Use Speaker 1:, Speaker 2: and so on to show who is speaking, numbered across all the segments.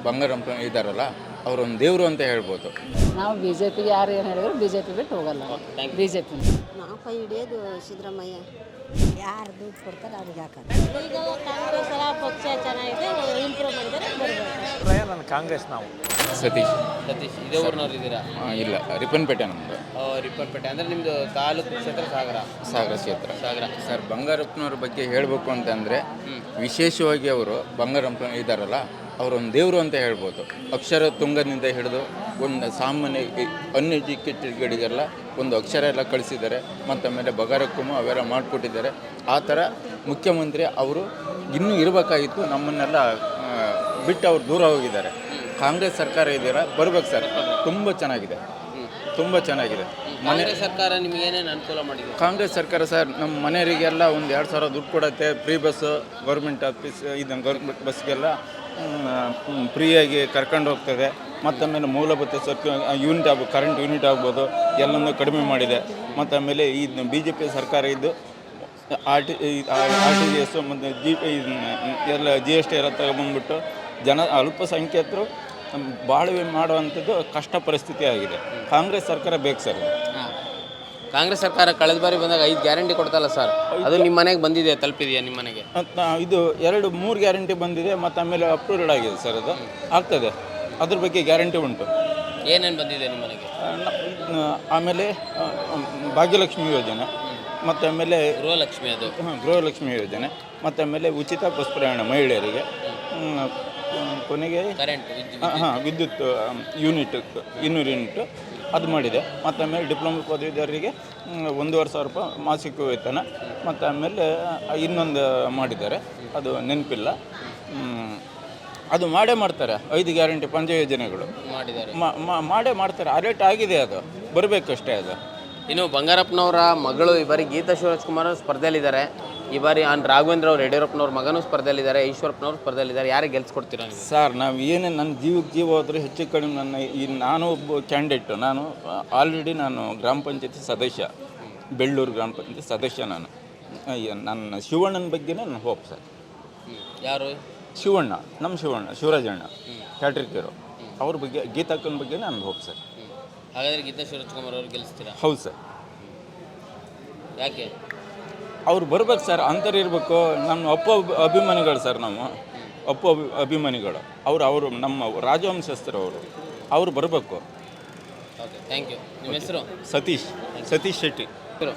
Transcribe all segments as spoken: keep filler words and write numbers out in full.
Speaker 1: ಬಂಗಾರಪ್ಪ ಇದ್ದಾರಲ್ಲ ಅವರೊಂದು ದೇವರು ಅಂತ ಹೇಳ್ಬೋದು.
Speaker 2: ನಾವು ಬಿ ಜೆ ಪಿಗೆ ಯಾರು ಏನು ಹೇಳಿದ್ರು ಬಿ ಜೆ ಪಿ ಬಿಟ್ಟು ಹೋಗಲ್ಲ. ಬಿ ಜೆ ಪಿ
Speaker 3: ನಾವು ಕೈ ಹಿಡಿಯೋದು ಸಿದ್ದರಾಮಯ್ಯ. ಯಾರು ದುಡ್ಡು ಕೊಡ್ತಾರೆ ಅವ್ರಿಗೆ ಹಾಕೋದು.
Speaker 4: ಈಗ ಕಾಂಗ್ರೆಸ್ ಎಲ್ಲ ಪಕ್ಷ ಚೆನ್ನಾಗಿದೆ, ಇಂಪ್ರೂವ್ ಮಾಡಿದರೆ ಬರಬೇಕು.
Speaker 5: ನಾನು ಕಾಂಗ್ರೆಸ್ ನಾವು
Speaker 1: ಸತೀಶ್
Speaker 6: ಸತೀಶ್ ಇದೇ ಊರಿನವ್ರು ಇದ್ದೀರಾ?
Speaker 1: ಆ, ಇಲ್ಲ ರಿಪ್ಪನ್ಪೇಟೆ ನಮ್ಮದು.
Speaker 6: ರಿಪ್ಪನ್ಪೇಟೆ ಅಂದರೆ ನಿಮ್ಮದು ತಾಲೂಕು ಕ್ಷೇತ್ರ ಸಾಗರ.
Speaker 1: ಸಾಗರ ಕ್ಷೇತ್ರ.
Speaker 6: ಸಾಗರ
Speaker 1: ಸರ್, ಬಂಗಾರಪ್ಪನವ್ರ ಬಗ್ಗೆ ಹೇಳಬೇಕು ಅಂತಂದರೆ ವಿಶೇಷವಾಗಿ ಅವರು ಬಂಗಾರಪ್ಪ ಇದ್ದಾರಲ್ಲ ಅವರೊಂದು ದೇವರು ಅಂತ ಹೇಳ್ಬೋದು. ಅಕ್ಷರ ತುಂಗದಿಂದ ಹಿಡಿದು ಒಂದು ಸಾಮಾನ್ಯ ಅನ್ಎಜುಕೇಟೆಡ್ಗಳಿಗೆಲ್ಲ ಒಂದು ಅಕ್ಷರ ಎಲ್ಲ ಕಳಿಸಿದ್ದಾರೆ ಮತ್ತು ಆಮೇಲೆ ಬಗಾರಕ್ಕೂ ಅವೆಲ್ಲ ಮಾಡಿಕೊಟ್ಟಿದ್ದಾರೆ. ಆ ಥರ ಮುಖ್ಯಮಂತ್ರಿ ಅವರು ಇನ್ನೂ ಇರಬೇಕಾಗಿತ್ತು. ನಮ್ಮನ್ನೆಲ್ಲ ಬಿಟ್ಟು ಅವ್ರು ದೂರ ಹೋಗಿದ್ದಾರೆ. ಕಾಂಗ್ರೆಸ್ ಸರ್ಕಾರ ಇದೆಯಲ್ಲ ಬರ್ಬೇಕು ಸರ್, ತುಂಬ ಚೆನ್ನಾಗಿದೆ, ತುಂಬ ಚೆನ್ನಾಗಿದೆ.
Speaker 6: ಕಾಂಗ್ರೆಸ್ ಸರ್ಕಾರ ನಿಮ್ಗೆ ಏನೇನು ಅನುಕೂಲ ಮಾಡಿದೆ?
Speaker 1: ಕಾಂಗ್ರೆಸ್ ಸರ್ಕಾರ ಸರ್ ನಮ್ಮ ಮನೆಯವರಿಗೆಲ್ಲ ಒಂದು ಎರಡು ಸಾವಿರ ದುಡ್ಡು ಕೊಡುತ್ತೆ. ಫ್ರೀ ಬಸ್ಸು, ಗೌರ್ಮೆಂಟ್ ಆಫೀಸ್ ಇದನ್ನು ಗೌರ್ಮೆಂಟ್ ಬಸ್ಗೆಲ್ಲ ಫ್ರೀಯಾಗಿ ಕರ್ಕೊಂಡು ಹೋಗ್ತದೆ. ಮತ್ತು ಆಮೇಲೆ ಮೂಲಭೂತ ಸೌಕರ್ಯ ಯೂನಿಟ್ ಆಗ್ಬೋದು, ಕರೆಂಟ್ ಯೂನಿಟ್ ಆಗ್ಬೋದು, ಎಲ್ಲನೂ ಕಡಿಮೆ ಮಾಡಿದೆ. ಮತ್ತು ಆಮೇಲೆ ಈ ಬಿ ಜೆ ಪಿ ಸರ್ಕಾರ ಇದ್ದು R T R T G S ಮತ್ತು ಜಿ ಎಲ್ಲ ಜಿ ಎಸ್ ಟಿ ಎಲ್ಲ ತಗೊಂಬಂದ್ಬಿಟ್ಟು ಜನ ಅಲ್ಪಸಂಖ್ಯಾತರು ಬಾಳ್ವೆ ಮಾಡುವಂಥದ್ದು ಕಷ್ಟ ಪರಿಸ್ಥಿತಿ ಆಗಿದೆ. ಕಾಂಗ್ರೆಸ್ ಸರ್ಕಾರ ಬೇಕು ಸರ್.
Speaker 6: ಕಾಂಗ್ರೆಸ್ ಸರ್ಕಾರ ಕಳೆದ ಬಾರಿ ಬಂದಾಗ ಐದು ಗ್ಯಾರಂಟಿ ಕೊಡ್ತಲ್ಲ ಸರ್, ಅದು ನಿಮ್ಮ ಮನೆಗೆ ಬಂದಿದೆ, ತಲುಪಿದೆಯಾ ನಿಮ್ಮ ಮನೆಗೆ?
Speaker 1: ಇದು ಎರಡು ಮೂರು ಗ್ಯಾರಂಟಿ ಬಂದಿದೆ ಮತ್ತು ಆಮೇಲೆ ಅಪ್ರೂವ್ಡ್ ಆಗಿದೆ ಸರ್. ಅದು ಆಗ್ತದೆ, ಅದ್ರ ಬಗ್ಗೆ ಗ್ಯಾರಂಟಿ ಉಂಟು.
Speaker 6: ಏನೇನು ಬಂದಿದೆ ನಿಮ್ಮ ಮನೆಗೆ?
Speaker 1: ಆಮೇಲೆ ಭಾಗ್ಯಲಕ್ಷ್ಮಿ ಯೋಜನೆ, ಮತ್ತು ಆಮೇಲೆ
Speaker 6: ಗೃಹಲಕ್ಷ್ಮಿ, ಅದು
Speaker 1: ಹಾಂ ಗೃಹಲಕ್ಷ್ಮಿ ಯೋಜನೆ, ಮತ್ತು ಆಮೇಲೆ ಉಚಿತ ಬಸ್ ಪ್ರಯಾಣ ಮಹಿಳೆಯರಿಗೆ, ಕೊನೆಗೆ
Speaker 6: ಕರೆಂಟ್
Speaker 1: ಹಾಂ ವಿದ್ಯುತ್ ಯೂನಿಟ್ ಇನ್ನೂರು ಯೂನಿಟ್ ಅದು ಮಾಡಿದೆ. ಮತ್ತು ಆಮೇಲೆ ಡಿಪ್ಲೊಮಾ ಪದವೀಧರರಿಗೆ ಒಂದೂವರೆ ಸಾವಿರ ರೂಪಾಯಿ ಮಾಸಿಕ ವೇತನ, ಮತ್ತು ಆಮೇಲೆ ಇನ್ನೊಂದು ಮಾಡಿದ್ದಾರೆ, ಅದು ನೆನಪಿಲ್ಲ. ಅದು ಮಾಡೇ ಮಾಡ್ತಾರೆ. ಐದು ಗ್ಯಾರಂಟಿ ಪಂಚ ಯೋಜನೆಗಳು
Speaker 6: ಮಾಡಿದ್ದಾರೆ,
Speaker 1: ಮಾಡೇ ಮಾಡ್ತಾರೆ. ಅರೇಟ್ ಆಗಿದೆ, ಅದು ಬರಬೇಕಷ್ಟೇ. ಅದು
Speaker 6: ಇನ್ನು ಬಂಗಾರಪ್ಪನವರ ಮಗಳು ಈ ಬಾರಿ ಗೀತಾ ಶಿವರಾಜ್ಕುಮಾರ್ ಸ್ಪರ್ಧೆಯಲ್ಲಿದ್ದಾರೆ. ಈ ಬಾರಿ ಆನ್ ರಾಘವೇಂದ್ರ ಅವ್ರು ಯಡಿಯೂರಪ್ಪನವ್ರ ಮಗನೂ ಸ್ಪರ್ಧೆಯಲ್ಲಿದ್ದಾರೆ, ಈಶ್ವರಪ್ಪನವ್ರು ಸ್ಪರ್ಧೆಯಲ್ಲಿದ್ದಾರೆ. ಯಾರಿಗೆ ಗೆಲ್ಸ್ಕೊಡ್ತೀರಾ ನೀವು?
Speaker 1: ಸರ್, ನಾವು ಏನೇ ನನ್ನ ಜೀವಕ್ಕೆ ಜೀವ ಹೋದರೆ ಹೆಚ್ಚು ಕಡಿಮೆ ನನ್ನ ಈ ನಾನು ಒಬ್ಬ ಕ್ಯಾಂಡಿಡೇಟು. ನಾನು ಆಲ್ರೆಡಿ ನಾನು ಗ್ರಾಮ ಪಂಚಾಯತಿ ಸದಸ್ಯ, ಬೆಳ್ಳೂರು ಗ್ರಾಮ ಪಂಚಾಯತಿ ಸದಸ್ಯ. ನಾನು ನನ್ನ ಶಿವಣ್ಣನ ಬಗ್ಗೆನೇ ನನ್ನ ಹೋಪ್ ಸರ್.
Speaker 6: ಯಾರು?
Speaker 1: ಶಿವಣ್ಣ, ನಮ್ಮ ಶಿವಣ್ಣ, ಶಿವರಾಜಣ್ಣ ಕ್ಯಾಟ್ರಿಕರು, ಅವ್ರ ಬಗ್ಗೆ, ಗೀತಾಕ್ಕನ ಬಗ್ಗೆ ನನ್ನ ಹೋಪ್ ಸರ್.
Speaker 6: ಹಾಗಾದರೆ ಗೀತಾ ಶಿವರಾಜ್ಕುಮಾರ್ ಅವ್ರು ಗೆಲ್ಲಿಸ್ತೀರಾ?
Speaker 1: ಹೌದು ಸರ್.
Speaker 6: ಯಾಕೆ?
Speaker 1: ಅವ್ರು ಬರ್ಬೇಕು ಸರ್, ಅಂತರ್ ಇರಬೇಕು. ನಮ್ಮ ಅಪ್ಪ ಅಭಿಮಾನಿಗಳು ಸರ್, ನಾವು ಅಪ್ಪ ಅಭಿ ಅಭಿಮಾನಿಗಳು ಅವರು ಅವರು ನಮ್ಮ ರಾಜವಂಶಸ್ಥರು. ಅವರು ಅವರು ಬರಬೇಕು.
Speaker 6: Okay, thank you. ನಿಮ್ಮ ಹೆಸರು?
Speaker 1: ಸತೀಶ್ ಸತೀಶ್ ಶೆಟ್ಟಿ.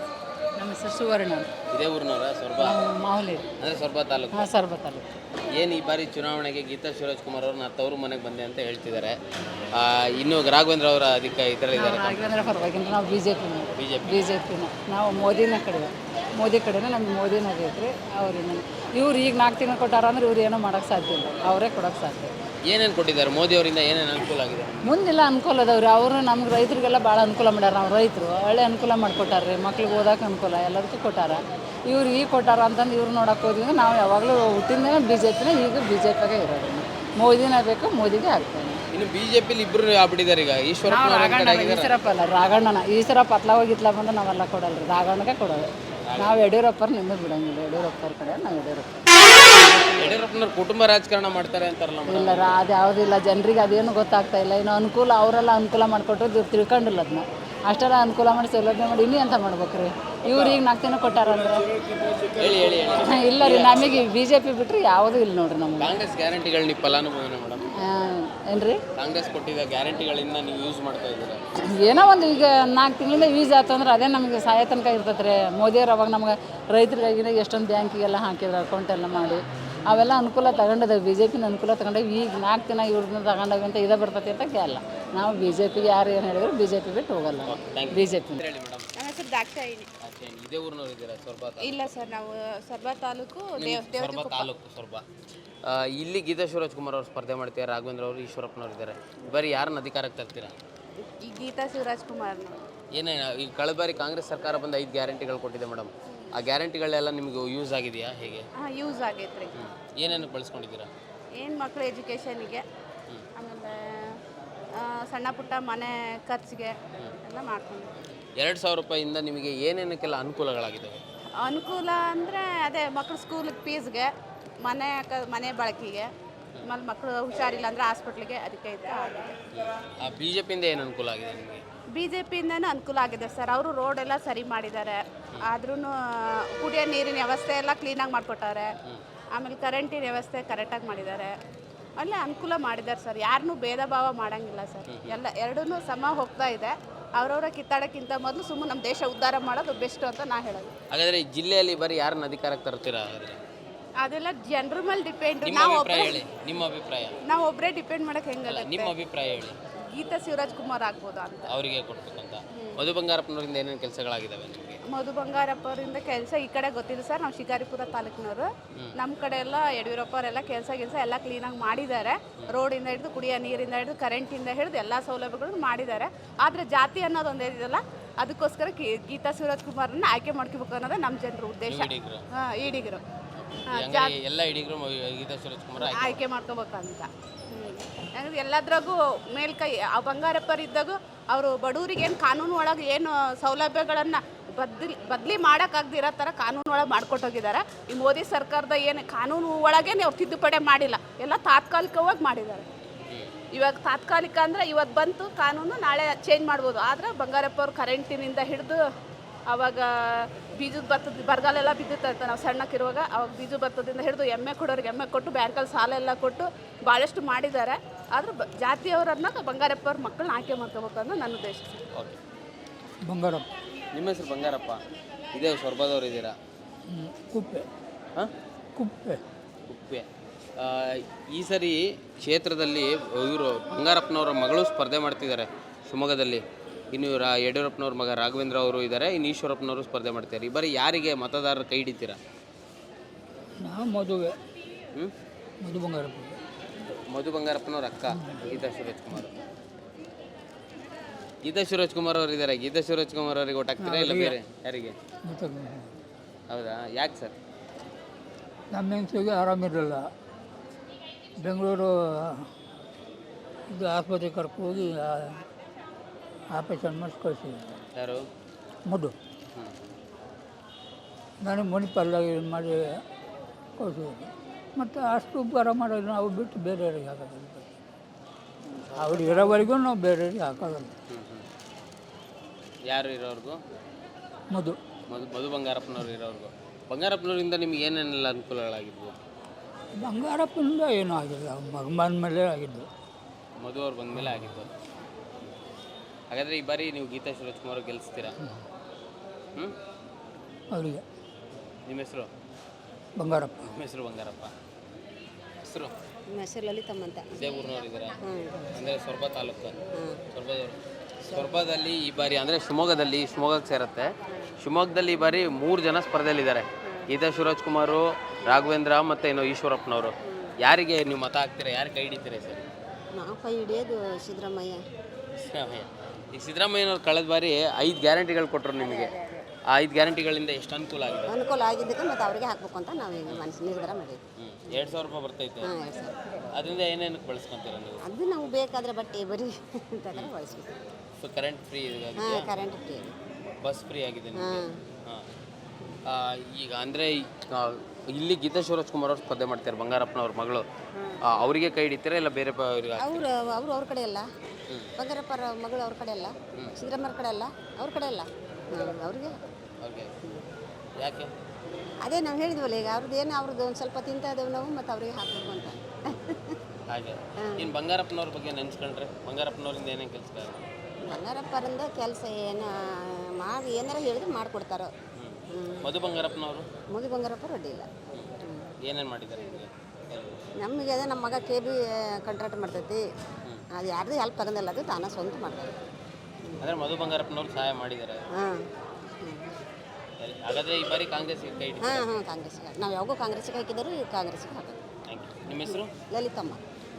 Speaker 2: ನಮ್ಮ ಹೆಸರು ಸುವರ್ಣ.
Speaker 6: ಇದೇ ಊರಿನವರ? ಸೊರಬ
Speaker 2: ಮಾಹುಲಿ
Speaker 6: ಅಂದರೆ ಸೊರಬ ತಾಲೂಕು.
Speaker 2: ಹಾಂ, ಸರ್ಬ ತಾಲೂಕು.
Speaker 6: ಏನು ಈ ಬಾರಿ ಚುನಾವಣೆಗೆ ಗೀತಾ ಶಿವರಾಜ್ಕುಮಾರ್ ಅವ್ರನ್ನ ತವರು ಮನೆಗೆ ಬಂದೆ ಅಂತ ಹೇಳ್ತಿದ್ದಾರೆ. ಇನ್ನು ರಾಘವೇಂದ್ರ ಅವರ ಅದಕ್ಕೆ ಇದರಲ್ಲಿದ್ದಾರೆ.
Speaker 2: ರಾಘವೇಂದ್ರ ಪರವಾಗಿಲ್ಲ, ನಾವು ಬಿ ಜೆ ಪಿನ
Speaker 6: B J P
Speaker 2: B J ಪಿನ ನಾವು ಮೋದಿನ ಕಡೆ, ಮೋದಿ ಕಡೆನೇ ನಮ್ಗೆ ಮೋದಿನ ಆಗೈತ್ರಿ. ಅವ್ರಿನ ಇವ್ರು ಈಗ ನಾಲ್ಕು ತಿಂಗಳು ಕೊಟ್ಟಾರ ಅಂದ್ರೆ ಇವ್ರು ಏನೋ ಮಾಡೋಕ್ಕೆ ಸಾಧ್ಯ ಇಲ್ಲ, ಅವರೇ ಕೊಡೋಕ್ಕೆ ಸಾಧ್ಯ.
Speaker 6: ಏನೇನು ಕೊಟ್ಟಿದ್ದಾರೆ ಮೋದಿ ಅವರಿಂದ? ಏನೇನು ಅನುಕೂಲ ಆಗಿದೆ?
Speaker 2: ಮುಂದೆಲ್ಲ ಅನುಕೂಲ ಅದಾವ್ರಿ. ಅವರು ನಮ್ಗೆ ರೈತರಿಗೆಲ್ಲ ಭಾಳ ಅನುಕೂಲ ಮಾಡ್ಯಾರ. ನಾವು ರೈತರು ಒಳ್ಳೆ ಅನುಕೂಲ ಮಾಡಿಕೊಟ್ಟಾರ್ರಿ. ಮಕ್ಳಿಗೆ ಓದೋಕೆ ಅನುಕೂಲ, ಎಲ್ಲದಕ್ಕೂ ಕೊಟ್ಟಾರ. ಇವ್ರು ಈಗ ಕೊಟ್ಟಾರ ಅಂತಂದು ಇವ್ರು ನೋಡೋಕೆ ಹೋದ್ವಿ. ನಾವು ಯಾವಾಗಲೂ ಹುಟ್ಟಿಂದ ಬಿ ಜೆ ಪಿನ, ಈಗ ಬಿ ಜೆ ಪಿಗೆ ಇರೋದು. ಮೋದಿನ ಬೇಕು, ಮೋದಿಗೆ ಆಗ್ತೇನೆ.
Speaker 6: ಇನ್ನು ಬಿ ಜೆ ಪಿಲಿ ಇಬ್ಬರು ಆಗ್ಬಿಟ್ಟಿದ್ದಾರೆ ಈಗ. ಈಶ್ವರಪ್ಪ
Speaker 2: ಈಶ್ವರಪ್ಪ ಅಲ್ಲ, ರಾಘಣ್ಣನ. ಈಶ್ವರಪ್ಪ ಅತ್ಲ ಹೋಗಿತ್ಲ ಬಂದು ನಾವೆಲ್ಲ ಕೊಡಲ್ರಿ, ರಾಘಣ್ಣಗೆ ಕೊಡೋದು. ನಾವು ಯಡಿಯೂರಪ್ಪರು ನಿಮ್ಮದು ಬಿಡಂಗಿಲ್ಲ. ಯಡಿಯೂರಪ್ಪರ ಕಡೆ ನಾವು ಯಡಿಯೂರಪ್ಪ.
Speaker 6: ಯಡಿಯೂರಪ್ಪನವ್ರು ಕುಟುಂಬ ರಾಜಕಾರಣ ಮಾಡ್ತಾರೆ ಅಂತಾರಲ್ಲ?
Speaker 2: ಇಲ್ಲ, ಅದು ಯಾವುದಿಲ್ಲ. ಜನರಿಗೆ ಅದೇನು ಗೊತ್ತಾಗ್ತಾ ಇಲ್ಲ. ಇನ್ನು ಅನುಕೂಲ ಅವರೆಲ್ಲ ಅನುಕೂಲ ಮಾಡಿಕೊಟ್ರು, ಇವ್ರು ತಿಳ್ಕೊಂಡಿಲ್ಲ ಅದನ್ನ. ಅಷ್ಟೆಲ್ಲ ಅನುಕೂಲ ಮಾಡಿ ಸೌಲಭ್ಯ ಮಾಡಿ ಇನ್ನೂ ಅಂತ ಮಾಡ್ಬೇಕ್ರಿ. ಇವ್ರು ಈಗ ನಾಲ್ಕು ದಿನ ಕೊಟ್ಟಾರಂದ್ರೆ
Speaker 6: ಹೇಳಿ ಹೇಳಿ ಹೇಳಿ
Speaker 2: ಇಲ್ಲ ರೀ, ನಮಗೆ ಬಿ ಜೆ ಪಿ ಬಿಟ್ಟರೆ ಯಾವುದೂ ಇಲ್ಲ ನೋಡ್ರಿ ನಮ್ಗೆ.
Speaker 6: ಕಾಂಗ್ರೆಸ್ ಗ್ಯಾರಂಟಿಗಳು ನೀವು ಫಲಾನುಭವಿನ ಮೇಡಮ್?
Speaker 2: ಏನು ರೀ,
Speaker 6: ಕಾಂಗ್ರೆಸ್ ಕೊಟ್ಟಿದ್ದ ಗ್ಯಾರಂಟಿಗಳಿಂದ ನೀವು ಯೂಸ್ ಮಾಡ್ತಾ ಇದ್ದೀರಾ?
Speaker 2: ಏನೋ ಒಂದು ಈಗ ನಾಲ್ಕು ತಿಂಗಳಿಂದ ಯೂಸ್ ಆಯ್ತು ಅಂದ್ರೆ ಅದೇ ನಮಗೆ ಸಹಾಯ ತನಕ ಇರ್ತೈತೆ ರೀ. ಮೋದಿಯವ್ರು ಅವಾಗ ನಮ್ಗೆ ರೈತರಿಗಾಗಿನ ಎಷ್ಟೊಂದು ಬ್ಯಾಂಕಿಗೆಲ್ಲ ಹಾಕಿದ್ರು, ಅಕೌಂಟ್ ಎಲ್ಲ ಮಾಡಿ ಅವೆಲ್ಲ ಅನುಕೂಲ ತಗೊಂಡಿದ್ದೇವೆ. ಬಿ ಜೆ ಪಿನ ಅನುಕೂಲ ತಗೊಂಡೇವಿ. ಈಗ ನಾಲ್ಕು ದಿನ ಇವ್ರನ್ನ ತಗೊಂಡೇವಿ ಅಂತ ಇದೇ ಬರ್ತೈತಿ ಅಂತ ಕೇಳಲ್ಲ. ನಾವು ಬಿ ಜೆ ಪಿಗೆ ಯಾರು ಏನು ಹೇಳಿದ್ರು ಬಿ ಜೆ ಪಿ ಬಿಟ್ಟು ಹೋಗಲ್ಲ. ಬಿ ಜೆ ಪಿ
Speaker 6: ಹೇಳಿ ಮೇಡಮ್.
Speaker 4: ನನ್ನ ಹೆಸರು ದಾಕ್ಷಾಯಿನಿ.
Speaker 6: ಇದೇ ಊರಿನವ್ರು ಇದ್ದೀರಾ? ಸೊರಬ?
Speaker 4: ಇಲ್ಲ ಸರ್, ನಾವು ಸರ್ಬ ತಾಲೂಕು,
Speaker 6: ಸೊರಬ ತಾಲೂಕು, ಸೊರಬ. ಇಲ್ಲಿ ಗೀತಾ ಶಿವರಾಜ್ಕುಮಾರ್ ಅವರು ಸ್ಪರ್ಧೆ ಮಾಡ್ತಾರೆ, ರಾಘವೇಂದ್ರ ಅವರು, ಈಶ್ವರಪ್ಪನವ್ರು ಇದ್ದಾರೆ. ಬರೀ ಯಾರನ್ನ ಅಧಿಕಾರಕ್ಕೆ ತರ್ತೀರಾ?
Speaker 4: ಈ ಗೀತಾ ಶಿವರಾಜ್ಕುಮಾರ್ನ.
Speaker 6: ಏನೇನು ಈಗ ಕಳೆದ ಬಾರಿ ಕಾಂಗ್ರೆಸ್ ಸರ್ಕಾರ ಬಂದು ಐದು ಗ್ಯಾರಂಟಿಗಳು ಕೊಟ್ಟಿದೆ ಮೇಡಮ್. ಆ ಗ್ಯಾರಂಟಿಗಳೆಲ್ಲ ನಿಮಗೆ ಯೂಸ್ ಆಗಿದೆಯಾ? ಹೇಗೆ?
Speaker 4: ಹಾಂ, ಯೂಸ್ ಆಗೈತೆ ರೀ.
Speaker 6: ಏನೇನು ಬಳಸ್ಕೊಂಡಿದ್ದೀರಾ?
Speaker 4: ಏನು ಮಕ್ಕಳು ಎಜುಕೇಷನಿಗೆ, ಆಮೇಲೆ ಸಣ್ಣ ಪುಟ್ಟ ಮನೆ ಖರ್ಚಿಗೆ ಎಲ್ಲ ಮಾಡ್ಕೊಂಡು.
Speaker 6: ಎರಡು ಸಾವಿರ ರೂಪಾಯಿಂದ ನಿಮಗೆ ಏನೇನಕ್ಕೆಲ್ಲ ಅನುಕೂಲಗಳಾಗಿದ್ದಾವೆ?
Speaker 4: ಅನುಕೂಲ ಅಂದರೆ ಅದೇ ಮಕ್ಕಳು ಸ್ಕೂಲಿಗೆ ಫೀಸ್ಗೆ, ಮನೆ ಕ ಮನೆ ಬಳಕೆಗೆ
Speaker 5: ಆಮೇಲೆ ಮಕ್ಕಳು ಹುಷಾರಿಲ್ಲ ಅಂದರೆ ಹಾಸ್ಪಿಟ್ಲಿಗೆ ಅದಕ್ಕೆ ಇದು ಆಗಿದೆ.
Speaker 6: ಬಿ ಜೆ ಪಿಯಿಂದ ಏನು ಅನುಕೂಲ ಆಗಿದೆ ನಿಮಗೆ?
Speaker 5: ಬಿ ಜೆ ಪಿಯಿಂದನೂ ಅನುಕೂಲ ಆಗಿದೆ ಸರ್. ಅವರು ರೋಡ್ ಎಲ್ಲ ಸರಿ ಮಾಡಿದ್ದಾರೆ, ಆದ್ರೂ ಕುಡಿಯೋ ನೀರಿನ ವ್ಯವಸ್ಥೆ ಎಲ್ಲ ಕ್ಲೀನಾಗಿ ಮಾಡಿಕೊಟ್ಟಾರೆ. ಆಮೇಲೆ ಕರೆಂಟಿನ ವ್ಯವಸ್ಥೆ ಕರೆಕ್ಟಾಗಿ ಮಾಡಿದ್ದಾರೆ. ಒಳ್ಳೆ ಅನುಕೂಲ ಮಾಡಿದ್ದಾರೆ ಸರ್. ಯಾರನ್ನೂ ಭೇದ ಭಾವ ಮಾಡೋಂಗಿಲ್ಲ ಸರ್. ಎಲ್ಲ ಎರಡೂ ಸಮ ಹೋಗ್ತಾ ಇದೆ. ಅವ್ರವ್ರ ಕಿತ್ತಾಡೋಕ್ಕಿಂತ ಮೊದಲು ಸುಮ್ಮನೆ ನಮ್ಮ ದೇಶ ಉದ್ಧಾರ ಮಾಡೋದು ಬೆಸ್ಟ್ ಅಂತ ನಾ ಹೇಳೋದು.
Speaker 6: ಹಾಗಾದರೆ ಈ ಜಿಲ್ಲೆಯಲ್ಲಿ ಬರೀ ಯಾರನ್ನ ಅಧಿಕಾರಕ್ಕೆ ತರ್ತೀರಾ? ಹಾಗಾದರೆ
Speaker 5: ಅದೆಲ್ಲ ಜನರ ಮೇಲೆ ಡಿಪೆಂಡ್.
Speaker 6: ನಿಮ್ಮ
Speaker 5: ನಾವು
Speaker 6: ಅಭಿಪ್ರಾಯ ಹೇಳಿ. ನಿಮ್ಮ ಅಭಿಪ್ರಾಯ
Speaker 5: ನಾವು ಒಬ್ಬರೇ ಡಿಪೆಂಡ್ ಮಾಡೋಕೆ ಹೆಂಗಲ್ಲ.
Speaker 6: ನಿಮ್ಮ ಅಭಿಪ್ರಾಯ ಹೇಳಿ.
Speaker 5: ಗೀತಾ ಶಿವರಾಜ್ ಕುಮಾರ್ ಆಗ್ಬೋದು ಅಂತ
Speaker 6: ಅವರಿಗೆ ಕೊಡ್ಬೇಕಂತ. ಮಧು ಬಂಗಾರಪ್ಪನವರಿಂದ ಏನೇನು ಕೆಲಸಗಳಾಗಿದ್ದಾವೆ ನಿಮಗೆ?
Speaker 5: ಮಧು ಬಂಗಾರಪ್ಪ ಅವರಿಂದ ಕೆಲಸ ಈ ಕಡೆ ಗೊತ್ತಿಲ್ಲ ಸರ್. ನಾವು ಶಿಕಾರಿಪುರ ತಾಲೂಕಿನವರು. ನಮ್ಮ ಕಡೆ ಎಲ್ಲ ಯಡಿಯೂರಪ್ಪ ಅವರೆಲ್ಲ ಕೆಲಸ ಕೆಲಸ ಎಲ್ಲ ಕ್ಲೀನಾಗಿ ಮಾಡಿದ್ದಾರೆ. ರೋಡಿಂದ ಹಿಡಿದು ಕುಡಿಯೋ ನೀರಿಂದ ಹಿಡಿದು ಕರೆಂಟಿಂದ ಹಿಡಿದು ಎಲ್ಲ ಸೌಲಭ್ಯಗಳನ್ನು ಮಾಡಿದ್ದಾರೆ. ಆದರೆ ಜಾತಿ ಅನ್ನೋದು ಒಂದು ಇದೆಯಲ್ಲ, ಅದಕ್ಕೋಸ್ಕರ ಕಿ- ಗೀತಾ ಶಿವರಾಜ್ ಕುಮಾರನ್ನ ಆಯ್ಕೆ ಮಾಡ್ಕೋಬೇಕು ಅನ್ನೋದೇ ನಮ್ಮ ಜನರ ಉದ್ದೇಶ. ಹಾಂ, ಈಡಿಗರು
Speaker 6: ಎಲ್ಲ ಇಡೀಗಳು ಗೀತಾ ಶಿವರಾಜ್ ಕುಮಾರ್
Speaker 5: ಆಯ್ಕೆ ಮಾಡ್ಕೋಬೇಕಂತ. ಯಾಕಂದ್ರೆ ಎಲ್ಲದ್ರಾಗೂ ಮೇಲ್ಕೈ ಆ ಬಂಗಾರಪ್ಪರಿದ್ದಾಗ ಅವರು ಬಡವರಿಗೆ ಏನು ಕಾನೂನು ಒಳಗೆ ಏನು ಸೌಲಭ್ಯಗಳನ್ನು ಬದ್ಲಿ ಬದಲಿ ಮಾಡೋಕ್ಕಾಗದಿರೋ ಥರ ಕಾನೂನು ಒಳಗೆ ಮಾಡ್ಕೊಟ್ಟೋಗಿದ್ದಾರೆ. ಈ ಮೋದಿ ಸರ್ಕಾರದ ಏನು ಕಾನೂನು ಒಳಗೆ ಅವ್ರು ತಿದ್ದುಪಡಿ ಮಾಡಿಲ್ಲ, ಎಲ್ಲ ತಾತ್ಕಾಲಿಕವಾಗಿ ಮಾಡಿದ್ದಾರೆ. ಇವಾಗ ತಾತ್ಕಾಲಿಕ ಅಂದರೆ ಇವತ್ತು ಬಂತು ಕಾನೂನು, ನಾಳೆ ಚೇಂಜ್ ಮಾಡ್ಬೋದು. ಆದರೆ ಬಂಗಾರಪ್ಪ ಅವ್ರು ಕರೆಂಟಿನಿಂದ ಹಿಡಿದು ಆವಾಗ ಬೀಜದ ಭತ್ತದ ಬರಗಾಲೆಲ್ಲ ಬಿದ್ದಿತ್ತು ನಾವು ಸಣ್ಣಕ್ಕಿರುವಾಗ. ಅವಾಗ ಬೀಜ ಭತ್ತದಿಂದ ಹಿಡಿದು ಎಮ್ಮೆ ಕೊಡೋರಿಗೆ ಎಮ್ಮೆ ಕೊಟ್ಟು ಬ್ಯಾಂಕಲ್ಲಿ ಸಾಲ ಎಲ್ಲ ಕೊಟ್ಟು ಭಾಳಷ್ಟು ಮಾಡಿದ್ದಾರೆ. ಆದ್ರೆ ಬ ಜಾತಿಯವರನ್ನ ಬಂಗಾರಪ್ಪ ಅವ್ರ ಮಕ್ಕಳನ್ನ ಆಯ್ಕೆ ಮಾಡ್ಕೋಬೇಕು ಅನ್ನೋ ನನ್ನ ಉದ್ದೇಶ.
Speaker 6: ಓಕೆ.
Speaker 7: ಬಂಗಾರಪ್ಪ.
Speaker 6: ನಿಮ್ಮ ಹೆಸರು ಬಂಗಾರಪ್ಪ, ಇದೇ ಸೊರಬದವ್ರು ಇದ್ದೀರಾ?
Speaker 7: ಕುಪ್ಪೆ.
Speaker 6: ಹಾಂ,
Speaker 7: ಕುಪ್ಪೆ.
Speaker 6: ಕುಪ್ಪೆ. ಆ, ಈ ಸರಿ ಕ್ಷೇತ್ರದಲ್ಲಿ ಇವರು ಬಂಗಾರಪ್ಪನವರ ಮಗಳು ಸ್ಪರ್ಧೆ ಮಾಡ್ತಿದ್ದಾರೆ ಶಿವಮೊಗ್ಗದಲ್ಲಿ. ಇನ್ನು ರಾ ಯಡಿಯೂರಪ್ಪನವ್ರ ಮಗ ರಾಘವೇಂದ್ರ ಅವರು ಇದ್ದಾರೆ, ಇನ್ನು ಈಶ್ವರಪ್ಪನವರು ಸ್ಪರ್ಧೆ ಮಾಡ್ತಾರೆ. ಈ ಬಾರಿ ಯಾರಿಗೆ ಮತದಾರರು ಕೈ ಹಿಡಿತೀರಾ?
Speaker 7: ನಾವು ಮದುವೆ
Speaker 6: ಹ್ಞೂ
Speaker 7: ಮಧು ಬಂಗಾರಪ್ಪ.
Speaker 6: ಮಧು ಬಂಗಾರಪ್ಪನವ್ರ ಅಕ್ಕ ಗೀತಾ ಶಿವರಾಜ್ ಕುಮಾರ್. ಗೀತಾ ಶಿವರಾಜ್ ಕುಮಾರ್ ಅವರು ಇದ್ದಾರೆ. ಗೀತಾ ಶಿವರಾಜ್ ಕುಮಾರ್ ಅವರಿಗೆ ಓಟ್ ಹಾಕ್ತೀರಾ ಇಲ್ಲ ಬೇರೆ ಯಾರಿಗೆ?
Speaker 7: ಮತ್ತು
Speaker 6: ಹೌದಾ, ಯಾಕೆ ಸರ್?
Speaker 7: ನಮ್ಮ ಹೆಂಗಸಿಗೆ ಆರಾಮಿರಲಿಲ್ಲ. ಬೆಂಗಳೂರು ಇದು ಆಸ್ಪತ್ರೆಗೆ ಕರ್ಕೊ ಹೋಗಿ ಆಪರೇಷನ್ ಮಾಡಿಸಿ ಕಳಿಸಿದ್ರು.
Speaker 6: ಯಾರು?
Speaker 7: ಮಧು. ನನಗೆ ಮಣಿಪಾಲ್ದಾಗಿ ಮಾಡಿ ಕಳಿಸಿದ್ರು. ಮತ್ತು ಅಷ್ಟು ಉಪಕಾರ ಮಾಡೋದು ನಾವು ಬಿಟ್ಟು ಬೇರೆಯವ್ರಿಗೆ ಹಾಕೋದಿಲ್ಲ. ಅವ್ರು ಇರೋವರೆಗೂ ನಾವು ಬೇರೆಯವ್ರಿಗೆ ಹಾಕೋದಿಲ್ಲ.
Speaker 6: ಯಾರು ಇರೋರ್ಗು?
Speaker 7: ಮಧು.
Speaker 6: ಮಧು ಮಧು ಬಂಗಾರಪ್ಪನವ್ರು ಇರೋರ್ಗು. ಬಂಗಾರಪ್ಪನವರಿಂದ ನಿಮ್ಗೆ ಏನೇನೆಲ್ಲ ಅನುಕೂಲಗಳಾಗಿದ್ವು?
Speaker 7: ಬಂಗಾರಪ್ಪನಿಂದ ಏನೂ ಆಗಿಲ್ಲ, ಮಗ ಬಂದ ಮೇಲೆ ಆಗಿದ್ದು.
Speaker 6: ಮಧು ಅವ್ರು ಬಂದ ಮೇಲೆ ಆಗಿದ್ದು. ಹಾಗಾದರೆ ಈ ಬಾರಿ ನೀವು ಗೀತಾ ಶಿವರಾಜ್ ಕುಮಾರ್ ಗೆಲ್ಲಿಸ್ತೀರಾ? ಹ್ಞೂ,
Speaker 7: ಅವರಿಗೆ.
Speaker 6: ನಿಮ್ಮ ಹೆಸರು?
Speaker 7: ಬಂಗಾರಪ್ಪ.
Speaker 6: ನಿಮ್ಮ ಹೆಸರು ಬಂಗಾರಪ್ಪ. ಹೆಸರು?
Speaker 3: ನಮ್ಮ ಹೆಸರು ಲಲಿತಮ್ಮ ಅಂತ.
Speaker 6: ಇದೇ ಊರಿನವ್ರು ಇದ್ದೀರಾ? ಅಂದರೆ ಸೊರಬ ತಾಲೂಕು. ಸೊರಬದವರು. ಸೊರಬದಲ್ಲಿ ಈ ಬಾರಿ ಅಂದರೆ ಶಿವಮೊಗ್ಗದಲ್ಲಿ ಶಿವಮೊಗ್ಗಕ್ಕೆ ಸೇರುತ್ತೆ. ಶಿವಮೊಗ್ಗದಲ್ಲಿ ಈ ಬಾರಿ ಮೂರು ಜನ ಸ್ಪರ್ಧೆಯಲ್ಲಿದ್ದಾರೆ. ಗೀತಾ ಶಿವರಾಜ್ ಕುಮಾರು, ರಾಘವೇಂದ್ರ ಮತ್ತು ಏನೋ ಈಶ್ವರಪ್ಪನವರು. ಯಾರಿಗೆ ನೀವು ಮತ ಹಾಕ್ತೀರಾ? ಯಾರು ಕೈ ಹಿಡಿತೀರಾ ಸರ್?
Speaker 3: ನಾವು ಕೈ ಹಿಡಿಯೋದು ಸಿದ್ದರಾಮಯ್ಯ.
Speaker 6: ಸಿದ್ದರಾಮಯ್ಯ. ಈಗ ಸಿದ್ದರಾಮಯ್ಯನವ್ರು ಕಳೆದ ಬಾರಿ ಐದು ಗ್ಯಾರಂಟಿಗಳು ಕೊಟ್ಟರು ನಿಮಗೆ. ಆ ಐದು ಗ್ಯಾರಂಟಿಗಳಿಂದ ಎಷ್ಟು ಅನುಕೂಲ ಆಗಿದೆ?
Speaker 3: ಅನುಕೂಲ ಆಗಿದ್ದಕ್ಕೆ ಮತ್ತು ಅವರಿಗೆ ಹಾಕ್ಬೇಕು ಅಂತ ನಾವು ಈಗ ಮನಸ್ಸು ನಿರ್ಧಾರ ಮಾಡಿದ್ವಿ.
Speaker 6: ಹ್ಞೂ, ಎರಡು ಸಾವಿರ ರೂಪಾಯಿ ಬರ್ತೈತೆ.
Speaker 3: ಹಾಂ, ಎರಡು ಸಾವಿರ.
Speaker 6: ಅದರಿಂದ ಏನೇನಕ್ಕೆ ಬಳಸ್ಕೊತೀರ ನೀವು?
Speaker 3: ಅದು ನಾವು ಬೇಕಾದರೆ ಬಟ್ಟೆ ಬರೀ ಅಂತಂದ್ರೆ ಬಳಸ್ಬೇಕು.
Speaker 6: ಸೊ ಕರೆಂಟ್ ಫ್ರೀ ಆಗಿದೆ,
Speaker 3: ಹಾಂ, ಕರೆಂಟ್ ಫ್ರೀ.
Speaker 6: ಬಸ್ ಫ್ರೀ ಆಗಿದೆ ನಿಮಗೆ.
Speaker 3: ಹಾಂ.
Speaker 6: ಹಾಂ, ಈಗ ಅಂದರೆ ಇಲ್ಲಿ ಗೀತಾ ಶಿವರಾಜ್ ಕುಮಾರ್ ಅವ್ರು ಸ್ಪರ್ಧೆ ಮಾಡ್ತಾರೆ, ಬಂಗಾರಪ್ಪನವ್ರ ಮಗಳು. ಅವರಿಗೆ ಕೈ ಹಿಡಿತೀರಾ ಇಲ್ಲ ಬೇರೆ ಅವ್ರಿಗೆ?
Speaker 3: ಅವರು ಅವರು ಅವ್ರ ಕಡೆ ಅಲ್ಲ, ಬಂಗಾರಪ್ಪರ ಮಗಳು ಅವ್ರ ಕಡೆ ಅಲ್ಲ, ಸಿದ್ದರಾಮಯ್ಯ ಕಡೆ ಅಲ್ಲ, ಅವ್ರ ಕಡೆ ಅಲ್ಲ. ಹಾಂ, ಅವ್ರಿಗೆ
Speaker 6: ಓಕೆ. ಯಾಕೆ?
Speaker 3: ಅದೇ ನಾವು ಹೇಳಿದ್ವಲ್ಲ ಈಗ ಅವ್ರದ್ದು ಏನು ಅವ್ರದ್ದು ಒಂದು ಸ್ವಲ್ಪ ತಿಂತಾ ಇದ್ದೇವೆ ನಾವು, ಮತ್ತು ಅವರಿಗೆ ಹಾಕಬೇಕು ಅಂತ.
Speaker 6: ಹಾಗೆ. ಇನ್ನು ಬಂಗಾರಪ್ಪನವ್ರ ಬಗ್ಗೆ ನೆನೆಸ್ಕೊಂಡ್ರೆ ಬಂಗಾರಪ್ಪನವ್ರಿಂದ ಏನೇನು ಕೆಲಸ?
Speaker 3: ಬಂಗಾರಪ್ಪರಿಂದ ಕೆಲಸ ಏನು ಮಾಡಿ ಏನಾರ ಹೇಳಿದ್ರೆ ಮಾಡಿಕೊಡ್ತಾರೋ.
Speaker 6: ಮಧು ಬಂಗಾರಪ್ಪನವರು?
Speaker 3: ಮಧು ಬಂಗಾರಪ್ಪ ರೆಡ್ಡಿ ಇಲ್ಲ.
Speaker 6: ಏನೇನು ಮಾಡಿದ್ದಾರೆ ನಿಮಗೆ?
Speaker 3: ನಮಗೆ ಅದೇ ನಮ್ಮ ಮಗ ಕೆ ಬಿ ಕಾಂಟ್ರಾಕ್ಟ್ ಮಾಡ್ತೈತಿ. ಅದು ಯಾರ್ದು ಹೆಲ್ಪ್ ತಗೊಂಡಿಲ್ಲ, ಅದು ತಾನೇ ಸ್ವಂತ ಮಾಡ್ತಾರೆ.
Speaker 6: ಅಂದರೆ ಮಧು ಬಂಗಾರಪ್ಪನವ್ರು ಸಹಾಯ ಮಾಡಿದ್ದಾರೆ.
Speaker 3: ಹಾಂ.
Speaker 6: ಹಾಗಾದರೆ ಈ ಬಾರಿ ಕಾಂಗ್ರೆಸ್ಗೆ ಕೈ ಹಿಡಿತಾರೆ?
Speaker 3: ಹಾಂ ಹಾಂ ಕಾಂಗ್ರೆಸ್ಗೆ. ನಾವು ಯಾವಾಗೂ ಕಾಂಗ್ರೆಸ್ಗೆ ಹಾಕಿದರೂ ಈಗ ಕಾಂಗ್ರೆಸ್ಗೆ ಹಾಕೋದು.
Speaker 6: Thank you. ನಿಮ್ಮ ಹೆಸರು?
Speaker 3: ಲಲಿತಮ್ಮ.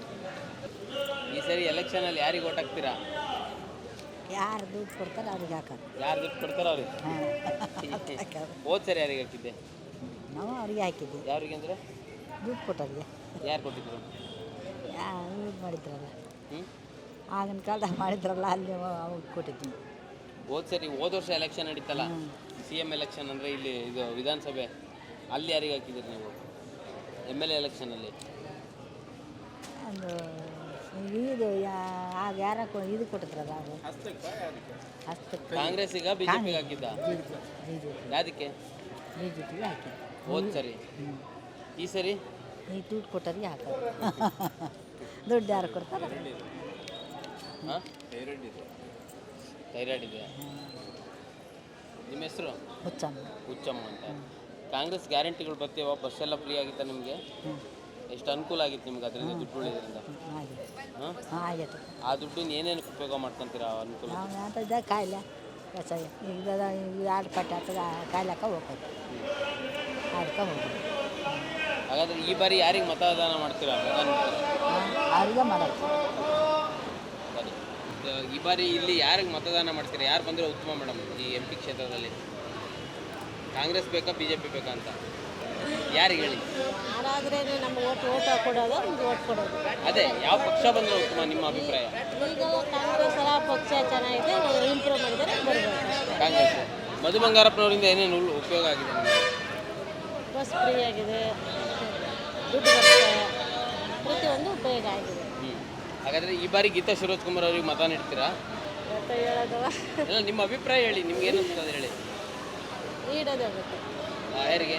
Speaker 6: ಈ ಸರಿ ಎಲೆಕ್ಷನಲ್ಲಿ ಯಾರಿಗೆ ಓಟ್ ಹಾಕ್ತೀರಾ?
Speaker 3: ಯಾರು ದುಡ್ಡು ಕೊಡ್ತಾರೆ ಅವ್ರಿಗೆ ಹಾಕೋದು.
Speaker 6: ಯಾರು ದುಡ್ಡು ಕೊಡ್ತಾರೋ ಅವ್ರಿಗೆ? ಹೋದ್ ಸರಿ ಯಾರಿಗೆ ಹಾಕಿದ್ದೆ?
Speaker 3: ನಾವು ಅವ್ರಿಗೆ ಹಾಕಿದ್ವಿ.
Speaker 6: ಯಾರಿಗೆ ಅಂದರೆ?
Speaker 3: ದುಡ್ಡು ಕೊಟ್ಟವ್ರಿಗೆ.
Speaker 6: ಯಾರು ಕೊಟ್ಟಿದ್ರು?
Speaker 3: ಯಾರು ಇದು ಮಾಡಿದ್ರಲ್ಲ,
Speaker 6: ಹ್ಞೂ,
Speaker 3: ಆಗಿನ ಕಾಲದಾಗ ಮಾಡಿದ್ರಲ್ಲ, ಅಲ್ಲಿ ಅವ್ರಿಗೆ ಕೊಟ್ಟಿದ್ವಿ.
Speaker 6: ಹೋದ್ ಸರಿ ಹೋದ ವರ್ಷ ಎಲೆಕ್ಷನ್ ನಡೀತಲ್ಲ, ಸಿ ಎಮ್ ಎಲೆಕ್ಷನ್ ಅಂದರೆ ಇಲ್ಲಿ ಇದು ವಿಧಾನಸಭೆ, ಅಲ್ಲಿ ಯಾರಿಗೆ ಹಾಕಿದ್ದೀರಿ ನೀವು? ಎಮ್ ಎಲ್ ಎ ಎಲೆಕ್ಷನಲ್ಲಿ
Speaker 8: ಒಂದು ಇದು ಯಾ- ಆಗ ಯಾರ ಕೊ- ಇದು ಕೊಟ್ಟಿದ್ರಲ್ಲ ಅದು ಹಸ್ತಕ್ಕೆ
Speaker 6: ಕಾಂಗ್ರೆಸ್ ಈಗ ಬಿಜೆಪಿಗೆ ಹಾಕಿದ್ದ
Speaker 8: ಬಿ ಜೆ ಪಿ
Speaker 6: ಯಾದಕ್ಕೆ
Speaker 8: ಬಿ ಜೆ ಪಿಗೆ ಹಾಕಿ
Speaker 6: ಹೋದ್ ಸರಿ ಈ ಸರಿ
Speaker 8: ಈ ದುಡ್ಡು ಕೊಟ್ಟರಿಗೆ ಹಾಕೋದು ದುಡ್ಡು ಯಾರು ಕೊಡ್ತಾರೆ
Speaker 6: ಹಾಂ ಥೈರಾಯ್ಡ್ ಇದೆ. ನಿಮ್ಮ ಹೆಸರು
Speaker 8: ಹುಚ್ಚಮ್ಮ
Speaker 6: ಹುಚ್ಚಮ್ಮ ಅಂತ. ಕಾಂಗ್ರೆಸ್ ಗ್ಯಾರಂಟಿಗಳು ಬರ್ತೀವ, ಬಸ್ ಎಲ್ಲ ಫ್ರೀ ಆಗಿತ್ತ ನಿಮಗೆ? ಎಷ್ಟು ಅನುಕೂಲ ಆಗಿತ್ತು ನಿಮ್ಗೆ ಅದರಿಂದ ದುಡ್ಡು ಉಳಿದ್ರಿಂದ?
Speaker 8: ಆಗಿದೆ
Speaker 6: ಹಾಂ
Speaker 8: ಹಾಂ ಆಗೈತೆ
Speaker 6: ಆ ದುಡ್ಡನ್ನ ಏನೇನು ಉಪಯೋಗ ಮಾಡ್ಕೊಂತೀರಾ ಆ ಅನುಕೂಲ?
Speaker 8: ನಾವು ಅಂತಂದ ಕಾಯಿಲೆ ಕಷಾಯ ಈಗ ಎರಡು ಪಟ್ಟಿ ಆಗ್ತದೆ ಕಾಯಿಲೆಕ್ಕ ಹೋಗೋದು ಅದಕ್ಕೆ ಹೋಗೋದು
Speaker 6: ಹಾಗಾದ್ರೆ ಈ ಬಾರಿ ಯಾರಿಗೆ ಮತದಾನ ಮಾಡ್ತೀರಾ? ಮತ
Speaker 8: ಅವ್ರಿಗೆ ಮಾಡೋದು
Speaker 6: ಸರಿ. ಇದು- ಈ ಬಾರಿ ಇಲ್ಲಿ ಯಾರಿಗೆ ಮತದಾನ ಮಾಡ್ತೀರಾ? ಯಾರು ಬಂದರೆ ಉತ್ತಮ ಮೇಡಮ್ ಈ ಎಂ ಪಿ ಕ್ಷೇತ್ರದಲ್ಲಿ? ಕಾಂಗ್ರೆಸ್ ಬೇಕಾ ಬಿ ಜೆ ಪಿ ಬೇಕಾ ಅಂತ ಯಾರಿಗೆ ಹೇಳಿ?
Speaker 4: ಯಾರಾದ್ರೇ ನಮ್ಮ ಓಟ್ ಓಟ್ ಕೊಡೋದು ನಮ್ಗೆ ಓಟ್ ಕೊಡೋದು.
Speaker 6: ಅದೇ ಯಾವ ಪಕ್ಷ ಬಂದರೆ ಉತ್ತಮ ನಿಮ್ಮ ಅಭಿಪ್ರಾಯ?
Speaker 4: ಈಗ ಕಾಂಗ್ರೆಸ್ ಎಲ್ಲ ಪಕ್ಷ ಚೆನ್ನಾಗಿದೆ, ಇಂಪ್ರೂವ್ ಮಾಡಿದರೆ ಬರಬೇಕು.
Speaker 6: ಕಾಂಗ್ರೆಸ್. ಮಧು ಬಂಗಾರಪ್ಪನವರಿಂದ ಏನೇನು ಉಲ್- ಉಪಯೋಗ ಆಗಿದೆ ನಿಮಗೆ?
Speaker 4: ಬಸ್ ಫ್ರೀ ಆಗಿದೆ, ದುಡ್ಡು ಬರುತ್ತೆ, ಪ್ರತಿಯೊಂದು ಉಪಯೋಗ ಆಗಿದೆ.
Speaker 6: ಹ್ಞೂ ಹಾಗಾದರೆ ಈ ಬಾರಿ ಗೀತಾ ಶಿವರಾಜ್ ಕುಮಾರ್ ಅವ್ರಿಗೆ ಮತ ನೀಡ್ತೀರಾ?
Speaker 4: ಮತ್ತೆ ಹೇಳೋದು
Speaker 6: ಇಲ್ಲ, ನಿಮ್ಮ ಅಭಿಪ್ರಾಯ ಹೇಳಿ, ನಿಮ್ಗೆ ಏನು ಅನ್ಸ್ತದೆ ಹೇಳಿ.
Speaker 4: ನೀಡೋದೇ ಬೇಕು.
Speaker 6: ಆ, ಯಾರಿಗೆ?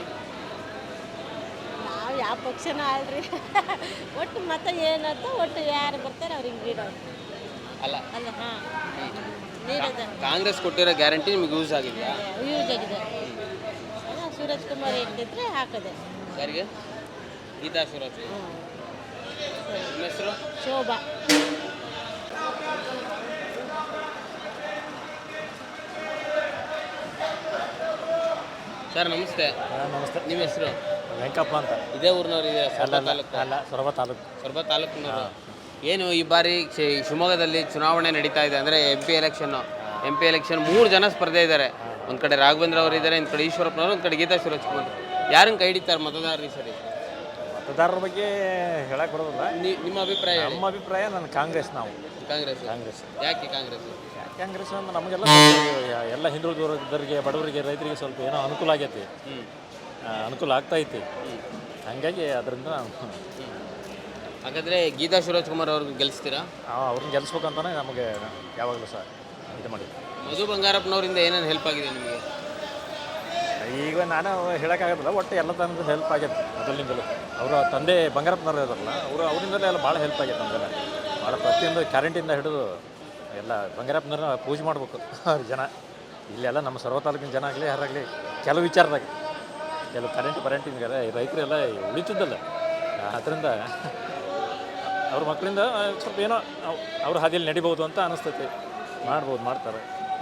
Speaker 4: ನಾವು ಯಾವ ಪಕ್ಷನ ಅಲ್ರಿ, ಒಟ್ಟು ಮತ ಏನಂತ ಒಟ್ಟು ಯಾರು ಬರ್ತಾರೆ ಅವ್ರಿಗೆ ನೀಡೋದು
Speaker 6: ಅಲ್ಲ,
Speaker 4: ಅಲ್ಲ. ಹಾಂ, ನೀಡೋದು
Speaker 6: ಕಾಂಗ್ರೆಸ್ ಕೊಟ್ಟಿರೋ ಗ್ಯಾರಂಟಿ ನಿಮ್ಗೆ ಯೂಸ್ ಆಗಿದೆಯಾ?
Speaker 4: ಯೂಸ್ ಆಗಿದೆ. ಅಲ್ಲ, ಸೂರಜ್ ಕುಮಾರ್ ಹೇಳ್ತಿದ್ರೆ ಹಾಕೋದೆ.
Speaker 6: ಯಾರಿಗೆ? ಗೀತಾ ಶಿವರಾಜ್. ನಿಮ್ಮ ಹೆಸರು?
Speaker 4: ಶೋಭಾ.
Speaker 6: ಸರ್ ನಮಸ್ತೆ.
Speaker 9: ನಮಸ್ತೆ.
Speaker 6: ನಿಮ್ಮ ಹೆಸರು?
Speaker 9: ವೆಂಕಪ್ಪ ಅಂತ.
Speaker 6: ಇದೇ ಊರಿನವ್ರು ಇದೆ ಸೊರಬ ತಾಲೂಕು?
Speaker 9: ಅಲ್ಲ, ಸೊರಬ ತಾಲೂಕು.
Speaker 6: ಸೊರಬ ತಾಲೂಕಿನವರು. ಏನು ಈ ಬಾರಿ ಶಿ- ಶಿವಮೊಗ್ಗದಲ್ಲಿ ಚುನಾವಣೆ ನಡೀತಾ ಇದೆ, ಅಂದರೆ M P election. M P election ಮೂರು ಜನ ಸ್ಪರ್ಧೆ ಇದ್ದಾರೆ. ಒಂದು ಕಡೆ ರಾಘವೇಂದ್ರ ಅವರು ಇದ್ದಾರೆ, ಒಂದು ಕಡೆ ಈಶ್ವರಪ್ಪನವರು, ಒಂದು ಕಡೆ ಗೀತಾ ಶಿವರಾಜ್ ಕುಮಾರ್. ಯಾರನ್ನು ಕೈ ಹಿಡಿತಾರೆ ಮತದಾರರು ಈ ಸರಿ?
Speaker 9: ಮತದಾರರ ಬಗ್ಗೆ ಹೇಳಕ್ಕೆ ಬರೋದಿಲ್ಲ.
Speaker 6: ನಿ- ನಿಮ್ಮ ಅಭಿಪ್ರಾಯ ಹೇಳಿ.
Speaker 9: ನಮ್ಮ ಅಭಿಪ್ರಾಯ ನನ್ನ ಕಾಂಗ್ರೆಸ್. ನಾವು
Speaker 6: ಕಾಂಗ್ರೆಸ್.
Speaker 9: ಕಾಂಗ್ರೆಸ್.
Speaker 6: ಯಾಕೆ ಕಾಂಗ್ರೆಸ್?
Speaker 9: ಯಾಕೆ ಕಾಂಗ್ರೆಸ್ ಅಂದ್ರೆ ನಮಗೆಲ್ಲ ಎಲ್ಲ ಹಿಂದುಳಿದವರಿಗೆ, ಬಡವರಿಗೆ, ರೈತರಿಗೆ ಸ್ವಲ್ಪ ಏನೋ ಅನುಕೂಲ ಆಗೈತಿ.
Speaker 6: ಹ್ಞೂ
Speaker 9: ಆ, ಅನುಕೂಲ ಆಗ್ತಾ ಐತಿ. ಹಾಗಾಗಿ ಅದರಿಂದ
Speaker 6: ಹಾಗಾದರೆ ಗೀತಾ ಶಿವರಾಜ್ ಕುಮಾರ್ ಅವ್ರಿಗೆ ಗೆಲ್ಲಿಸ್ತೀರಾ?
Speaker 9: ಅವ್ರನ್ನ ಗೆಲ್ಲಿಸ್ಬೇಕಂತಾನೆ ನಮಗೆ ಯಾವಾಗಲೂ ಸಹ ಇದು ಮಾಡಿ.
Speaker 6: ಮಧು ಬಂಗಾರಪ್ಪನವರಿಂದ ಏನೇನು ಹೆಲ್ಪ್ ಆಗಿದೆ ನಿಮಗೆ?
Speaker 9: ಈಗ ನಾನು ಹೇಳೋಕ್ಕಾಗೋದಿಲ್ಲ, ಒಟ್ಟು ಎಲ್ಲ ಥರದ ಹೆಲ್ಪ್ ಆಗೈತೆ ಮೊದಲಿನಿಂದಲೂ. ಅವರ ತಂದೆ ಬಂಗಾರಪ್ಪನವ್ರು ಇದಾರಲ್ಲ, ಅವರು ಅವರಿಂದಲೇ ಎಲ್ಲ ಭಾಳ ಹೆಲ್ಪ್ ಆಗೈತೆ ನಮಗೆಲ್ಲ. ಭಾಳ ಪ್ರತಿಯೊಂದು ಕ್ಯಾರಂಟಿಯಿಂದ ಹಿಡಿದು ಎಲ್ಲ ಬಂಗಾರಪ್ಪನವ್ರನ್ನ ಪೂಜೆ ಮಾಡ್ಬೇಕು ಅವ್ರ ಜನ. ಇಲ್ಲೆಲ್ಲ ನಮ್ಮ ಸರ್ವ ತಾಲೂಕಿನ ಜನ ಆಗಲಿ ಯಾರಾಗಲಿ ಕೆಲವು ವಿಚಾರದಾಗ ಕೆಲವು ಕರೆಂಟ್ ಪರೆಂಟಿಗೆಲ್ಲ ರೈತರೆಲ್ಲ ಉಳಿತಿದ್ದಲ್ಲ. ಅದರಿಂದ ಅವ್ರ ಮಕ್ಕಳಿಂದ ಸ್ವಲ್ಪ ಏನೋ ಅವ್ರ ಹಾದಿಯಲ್ಲಿ ನಡಿಬೋದು ಅಂತ ಅನಿಸ್ತೈತಿ. ಮಾಡ್ಬೋದು, ಮಾಡ್ತಾರೆ.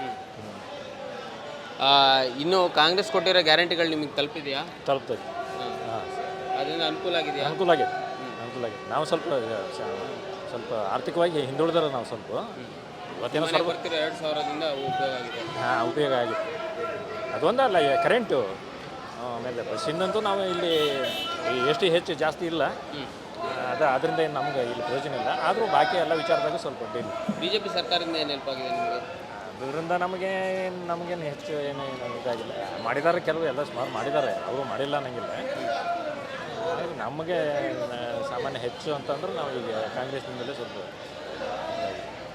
Speaker 6: ಇನ್ನು ಕಾಂಗ್ರೆಸ್ ಕೊಟ್ಟಿರೋ ಗ್ಯಾರಂಟಿಗಳು ನಿಮಗೆ ತಲುಪಿದೆಯಾ?
Speaker 9: ತಲುಪ್ತೈತಿ. ಹಾಂ,
Speaker 6: ಅದರಿಂದ ಅನುಕೂಲ ಆಗಿದೆಯಾ?
Speaker 9: ಅನುಕೂಲ ಆಗೈತೆ, ಅನುಕೂಲ ಆಗೈತೆ. ನಾವು ಸ್ವಲ್ಪ ಸ್ವಲ್ಪ ಆರ್ಥಿಕವಾಗಿ ಹಿಂದುಳಿದ್ರೆ ನಾವು ಸ್ವಲ್ಪ ಇವತ್ತೇನೋ ಸ್ವಲ್ಪ
Speaker 6: ಬರ್ತಿರೋ ಎರಡು ಸಾವಿರದಿಂದ ಉಪಯೋಗ ಆಗಿದೆ.
Speaker 9: ಹಾಂ, ಉಪಯೋಗ ಆಗಿತ್ತು. ಅದೊಂದಲ್ಲ, ಕರೆಂಟು ಆಮೇಲೆ ಬಸ್ಸಿಂದಂತೂ ನಾವು ಇಲ್ಲಿ ಎಷ್ಟು ಹೆಚ್ಚು ಜಾಸ್ತಿ ಇಲ್ಲ. ಅದು ಅದರಿಂದ ಏನು ನಮ್ಗೆ ಇಲ್ಲಿ ಪ್ರಯೋಜನ ಇಲ್ಲ. ಆದರೂ ಬಾಕಿ ಎಲ್ಲ ವಿಚಾರದಾಗ ಸ್ವಲ್ಪ ಡೇಲಿ.
Speaker 6: ಬಿ ಜೆ ಪಿ ಸರ್ಕಾರದಿಂದ ಏನು ಹೆಲ್ಪ್ ಆಗಿದೆ ನಿಮಗೆ?
Speaker 9: ಅದರಿಂದ ನಮಗೆ ನಮಗೇನು ಹೆಚ್ಚು ಏನು ಏನು ಇದಾಗಿಲ್ಲ. ಮಾಡಿದ್ದಾರೆ, ಕೆಲವು ಎಲ್ಲ ಸುಮಾರು ಮಾಡಿದ್ದಾರೆ, ಅವರು ಮಾಡಿಲ್ಲ ಅನ್ನಂಗಿಲ್ಲ. ನಮಗೆ ಸಾಮಾನ್ಯ ಹೆಚ್ಚು ಅಂತಂದ್ರೆ ನಾವು ಈಗ ಕಾಂಗ್ರೆಸ್ನಿಂದಲೇ ಸ್ವಲ್ಪ